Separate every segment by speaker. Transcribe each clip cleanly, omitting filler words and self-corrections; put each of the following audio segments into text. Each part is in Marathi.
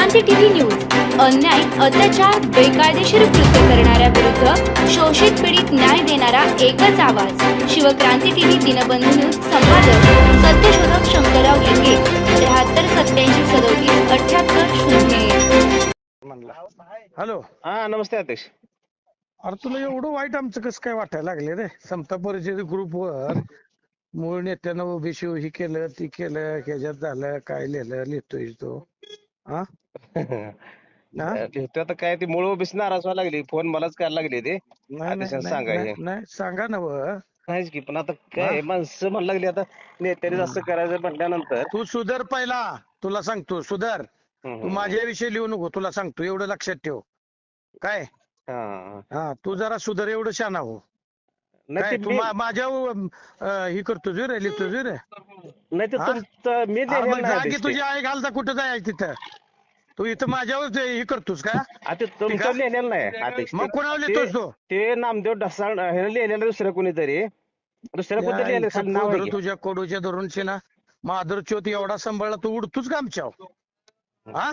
Speaker 1: शिवक्रांती टीव्ही न्यूज अन्याय, अत्याचार, बेकायदेशीर कृत्य करणाऱ्या विरुद्ध शोषित पीडित न्याय देणारा एकच आवाज. Shivkranti TV Dinbandhu news. संपादक सत्यशोधक शंकरराव लिंगे. 73 87 37 78
Speaker 2: हॅलो.
Speaker 3: हा नमस्ते अध्यक्ष.
Speaker 2: अरे तुला एवढं वाईट आमचं कसं काय वाटायला लागले रे? समता परिषद ग्रुपवर मूळ नेत्यानं ओबीसी ही केलं ती केलं, ह्याच्यात झालं काय लिहितोय तो हा?
Speaker 3: लिहितो आता काय, ती मूळ ओबीसी नाराज व्हायला लागली. फोन मलाच करायला लागले ते
Speaker 2: नाही
Speaker 3: अध्यक्षांना सांगायचे.
Speaker 2: नाही सांगा ना
Speaker 3: नाहीच की, पण आता काय माणसं म्हणायला लागली, आता नेत्याने असं करायचं म्हटल्यानंतर
Speaker 2: तू सुधार पहिला. तुला सांगतो सुधार. तू माझ्याविषयी लिहू नको, तुला सांगतो एवढं लक्षात ठेव. काय हा तू जरा सुधार, एवढं शहाणा हो. काय तू माझ्या ही करतो रे, लिहितो रे.
Speaker 3: नाही तर तुमचं मी
Speaker 2: जागी तुझी आई घालता कुठं जाय तिथं? तू इथं माझ्यावर हे करतोस का?
Speaker 3: आता तुमचं लिहिलेलं नाही अध्यक्ष.
Speaker 2: मग कोणावर लिहितोस तू?
Speaker 3: ते नामदेव ढसाळ हे लिहिलेलं दुसरं कोणीतरी, दुसरं कोणतरी लिहिलं खाली नाव आहे की.
Speaker 2: तुझ्या कोडूच्या धरूनशी ना माधुर चोत एवढा सांभाळला, तू उडतोच का आमच्यावर? हा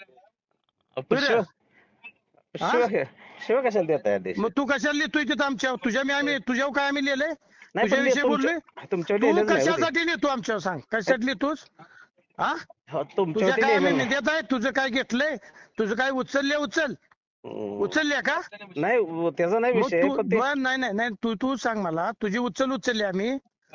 Speaker 3: शिव कशाला देत आहे अध्यक्ष?
Speaker 2: मग तू कशाला लिहितोय तिथं आमच्यावर? आम्ही तुझ्यावर काय आम्ही लिहिलंय?
Speaker 3: नाही, पण
Speaker 2: तुझ्याविषयी बोललोय?
Speaker 3: तुमच्यावर
Speaker 2: तू
Speaker 3: लिहिलेलं नाही.
Speaker 2: कशासाठी लिहितो आमच्यावर? सांग कशासाठी लिहितोस? हा तुझ्या
Speaker 3: तुमच्यावर
Speaker 2: काय आम्ही
Speaker 3: लिहिलेलं
Speaker 2: देत आहे? तुझं काय घेतलंय? तुझं काय उचलल्या का?
Speaker 3: नाही, त्याचा नाही
Speaker 2: मग
Speaker 3: विषय.
Speaker 2: तू
Speaker 3: पण ते
Speaker 2: नाही तू सांग मला, तुझी उचलली आम्ही?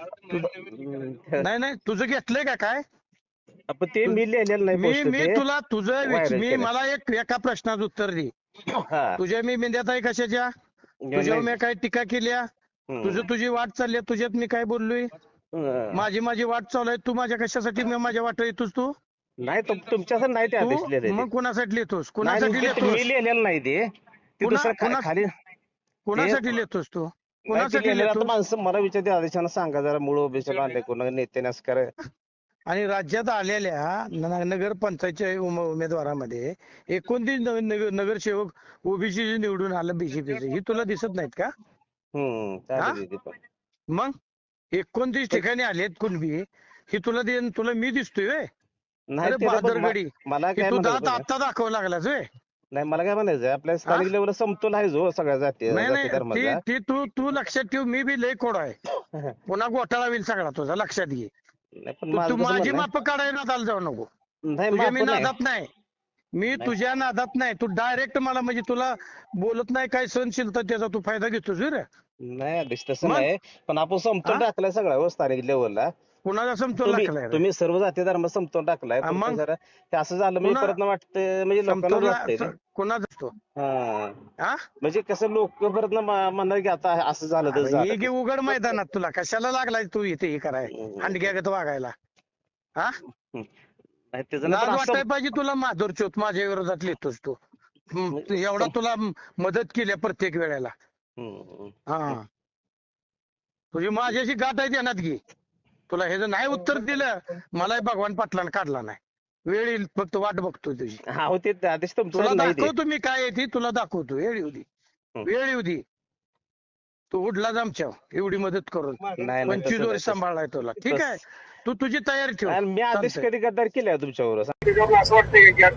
Speaker 2: नाही तुझं घेतलंय का काय?
Speaker 3: पण ते मी लिहिलेलं नाही
Speaker 2: मी
Speaker 3: post
Speaker 2: मी
Speaker 3: ते.
Speaker 2: तुला तुझं
Speaker 3: viral केलंय.
Speaker 2: मला एका प्रश्नाचं उत्तर दे.
Speaker 3: हा.
Speaker 2: तुझ्या मी मेंद्यात आहे कशाच्या? तुझ्यावर मी काय टीका केल्या? तुझी वाट चालली आहे, तुझ्यात मी काय बोललोय? माझी वाट चालू आहे, तू माझ्या कशासाठी माझ्या वाट येतोस तू?
Speaker 3: नाही तुमच्यासाठी नाही ते आदेश लिहिले.
Speaker 2: मग कोणासाठी लिहितोस? कोणासाठी लिहितोस?
Speaker 3: मी लिहिलेलं नाही ते. ते दुसरं खाली
Speaker 2: कोणासाठी लिहितोस तू? कोणासाठी
Speaker 3: लिहिलेलं. आता
Speaker 2: लिहितोस?
Speaker 3: माणसं मला विचारते आदेशानं सांगा जरा मूळ ओबीसीला आणले कोणा नेत्याने असं करा.
Speaker 2: आणि राज्यात आलेल्या नगर पंचायतच्या उमेदवारामध्ये 29 नगरसेवक ओबीसी निवडून आलं बीजेपीचे, ही तुला दिसत नाहीत का?
Speaker 3: चालेल ते पण.
Speaker 2: मग 29 ठिकाणी आलेत कुणबी, ही तुला मी दिसतोय व्हय?
Speaker 3: नाही
Speaker 2: अरे
Speaker 3: ते पण
Speaker 2: बहादरगडी,
Speaker 3: मला काय
Speaker 2: तू
Speaker 3: म्हणायचं
Speaker 2: दात आता दाखवा लागलाच व्हय?
Speaker 3: नाही, मला काय म्हणायचं, आपल्या स्थानिक लेवलला समतोल आहे जो सगळ्या जाती
Speaker 2: नाही
Speaker 3: धर्माचा.
Speaker 2: ती तू लक्षात ठेव, मी बी लय कोड आहे. पुन्हा घोटाळा होईल सगळा तुझा, लक्षात घे.
Speaker 3: नाही, पण
Speaker 2: तू
Speaker 3: माझं कसं
Speaker 2: माझी
Speaker 3: म्हणणं
Speaker 2: माप काढायला नादाला जाऊ नको.
Speaker 3: आहे, नाही
Speaker 2: तुझ्या मी
Speaker 3: माफ नाही.
Speaker 2: नादात नाही, मी तुझ्या नादात नाही. तू डायरेक्ट मला म्हणजे तुला बोलत नाही काय सहनशीलता, त्याचा तू फायदा घेतोस रे.
Speaker 3: नाही आदेश तसं
Speaker 2: मग?
Speaker 3: नाही, पण आपण समतोल टाकलाय सगळा स्थानिक लेवलला.
Speaker 2: कुणाचा समतोल लागलाय रे?
Speaker 3: तुम्ही सर्व जाती धर्म समतोल टाकलाय. पण
Speaker 2: मग?
Speaker 3: ते जरा हे असं झालं म्हणजे परत वाटतं, म्हणजे लोकांना वाटतंय रे.
Speaker 2: कोणाचा असतो?
Speaker 3: हा, म्हणजे कसं लोक परत म्हणणार की आता असं झालं तर
Speaker 2: हे
Speaker 3: झालं.
Speaker 2: की उघड मैदानात तुला कशाला लागलाय तू इथे हे कराय, हंडग्यागत वागायला? हा
Speaker 3: नाही, त्याचं
Speaker 2: लाज
Speaker 3: नाही, पण
Speaker 2: वाटाय
Speaker 3: असं-
Speaker 2: पाहिजे तुला. माधुर चोत माझ्या विरोधात लिहितोस तू. एवढा तुला मदत केली प्रत्येक वेळेला. हा तुझी माझ्याशी गाठ आहे ध्यानात घे. तुला हे जर नाही उत्तर दिलं, मलाही भगवान पाटलानं काढला नाही. वेळ येईल, फक्त वाट बघतोय तुझी.
Speaker 3: हा हो, ते आदेश
Speaker 2: तुला
Speaker 3: तुमचं नाही ते.
Speaker 2: दाखवतो मी काय आहे ती, तुला दाखवतो. वेळ येऊ दे, वेळ येऊ दे. तू उडलाच आमच्यावर एवढी मदत करून.
Speaker 3: नाही,
Speaker 2: 25 वर्ष सांभाळलाय तुला. ठीक आहे, तू तुझी तयारी ठेव.
Speaker 3: आणि मी आदेश
Speaker 2: चालतंय.
Speaker 3: कधी गद्दार केलाय तुमच्यावर?
Speaker 4: असं वाटतंय की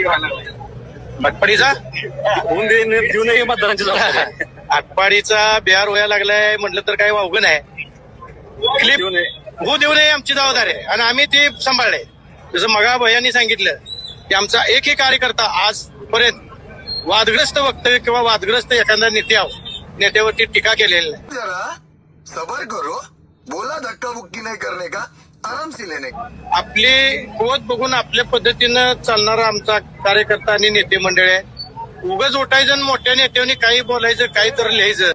Speaker 4: आटपाडीचा होऊन देऊ नये मतदारांची जबाबदारी. आटपाडीचा बिहार व्हायला लागलाय म्हटलं तर काही वावगं नाही. क्लिप होऊ देऊ नये आमची जबाबदारी आहे, आणि आम्ही ते सांभाळले. जसं मगा भैयांनी सांगितलं की आमचा एकही कार्यकर्ता आजपर्यंत वादग्रस्त वक्तव्य किंवा वादग्रस्त एखादा नेत्यावरती टीका केलेली नाही.
Speaker 5: जरा सबर करो, बोला धक्का बुक्की नहीं करने का, आराम से लेने का.
Speaker 4: आपली कुवत बघून आपल्या पद्धतीनं चालणारा आमचा कार्यकर्ता आणि नेते मंडळ आहे. उगाच उठायचं आणि मोठ्या नेत्यांनी काही बोलायचं, काही तर लिहायचं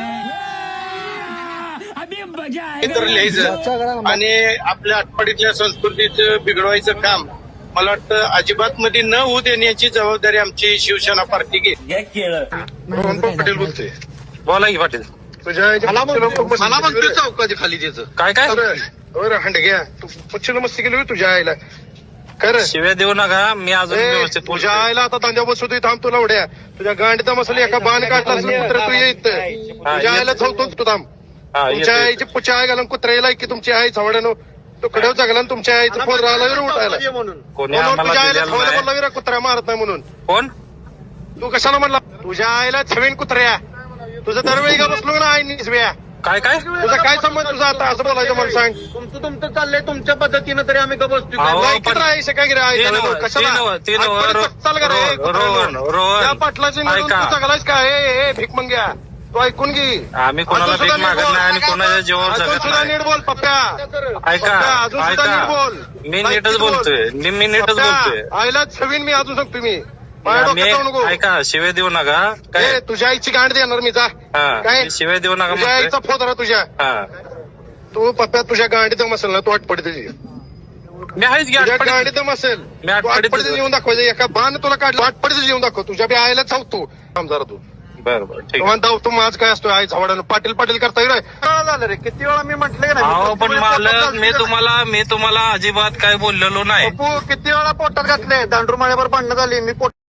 Speaker 4: आणि आपल्या आटपाडीतल्या संस्कृतीचं बिघडवायचं काम मला वाटतं अजिबात मध्ये न होऊ देण्याची जबाबदारी आमची शिवसेना पार्टी घेते. पटेल बोलतोय.
Speaker 6: बोला की पाटील.
Speaker 4: मला म्हणतोय चौकाची खाली त्याचं
Speaker 6: काय
Speaker 4: हंड घ्या. तू पश्चिम मस्ती केली तुझ्या आईला खरं.
Speaker 6: शिव्या देऊ नका, मी अजून व्यवस्थित
Speaker 4: तुझ्या आईला आता तांद्या बसवतोय, थांब तुला उड्या. तुझ्या गांडीचा मसाला एका बाण काढला असेल कुत्रा, तू येत तुझ्या आईला चौतो तू थांब. तुमच्या आईची पुढच्या आई घालून कुत्र्याला की तुमची आई चवड्यानं तुकड्यावर जगला आणि तुमच्या आईचं फोन राहिला उठायला
Speaker 3: म्हणून
Speaker 6: कोणी
Speaker 4: फोनवर
Speaker 6: आम्हाला
Speaker 4: तुझ्या आईला
Speaker 6: दिलेलं
Speaker 4: फोन
Speaker 6: नाही.
Speaker 4: बोलला विरा कुत्रा मारत नाही म्हणून
Speaker 6: कोण
Speaker 4: तू कशाला म्हणला तुझ्या आईला छवेन कुत्र्या तुझं दरवेळी का बसलो ना आई निसव्या
Speaker 6: काय काय
Speaker 4: तुझा काय संबंध तुझा आता असं बोलायचं मला सांग
Speaker 3: तुमचं चाललंय तुमच्या पद्धतीनं तरी आम्ही का बसतो
Speaker 6: अहो,
Speaker 4: नाही
Speaker 6: पण-
Speaker 4: किती राहायचं काय गिरा
Speaker 6: ते नव्ह,
Speaker 4: कशाला
Speaker 6: ते नव्ह, ते नव्ह,
Speaker 4: आजपर्यंत चाल का रे,
Speaker 6: रोहन,
Speaker 4: कुत्र्यानो?
Speaker 6: रोहन.
Speaker 4: त्या पाटलाची निवडून
Speaker 6: ऐका.
Speaker 4: तू जगलायस का हे भीक मंग्या तू ऐकून घे
Speaker 6: आम्ही कोणाला
Speaker 4: अजून सुद्धा
Speaker 6: भीक मागत
Speaker 4: नीट बोल.
Speaker 6: नाही आणि कोणाच्या जीवावर
Speaker 4: अजून
Speaker 6: जगत
Speaker 4: सुद्धा
Speaker 6: नाही.
Speaker 4: नीट बोल पप्प्या
Speaker 6: ऐका
Speaker 4: पप्प्या, अजून सुद्धा नीट
Speaker 6: ऐका
Speaker 4: बोल
Speaker 6: मी
Speaker 4: ऐक
Speaker 6: नीटच
Speaker 4: नीट बोल.
Speaker 6: बोलतोय मी नीटच
Speaker 4: पप्प्या,
Speaker 6: बोलतोय
Speaker 4: आईला छवीन मी अजून सांगतो मी माझ्या डोक्यात जाऊ नको
Speaker 6: ऐका शिवे देऊ नका
Speaker 4: ए,
Speaker 6: काय
Speaker 4: तुझ्या आईची गांड देणार मी जा
Speaker 6: हा
Speaker 4: काय
Speaker 6: मी शिवे देऊ नका
Speaker 4: तुझ्या आईचा
Speaker 6: म्हणतोय.
Speaker 4: फोन तुझ्या
Speaker 6: हा
Speaker 4: तू पप्प्या तुझ्या गांडीत दम असेल ना तू आठपडी तुझी
Speaker 6: मी आहेच की
Speaker 4: तुझ्या
Speaker 6: आठवडीत.
Speaker 4: गांडीत दम असेल
Speaker 6: मी
Speaker 4: तू
Speaker 6: आठवडीत
Speaker 4: आठपडीचं येऊन दाखवायचं एका बाण तुला काढलं आठपडीचं येऊन दाखव तुझ्या बी आईला चावतो थांब जरा तू
Speaker 6: बरं बरं ठीक आहे.
Speaker 4: तेव्हा दाव तू माझ काय असतो आई झावडानं पाटील पाटील करता येईल
Speaker 3: झालं रे किती वेळा मी म्हटलंय ना
Speaker 6: अहो पण मालक मी तुम्हाला अजिबात काय बोललेलो नाही
Speaker 3: किती वेळा पोटात घातले दांडूर माळ्यावर भांडणं झाली मी पोट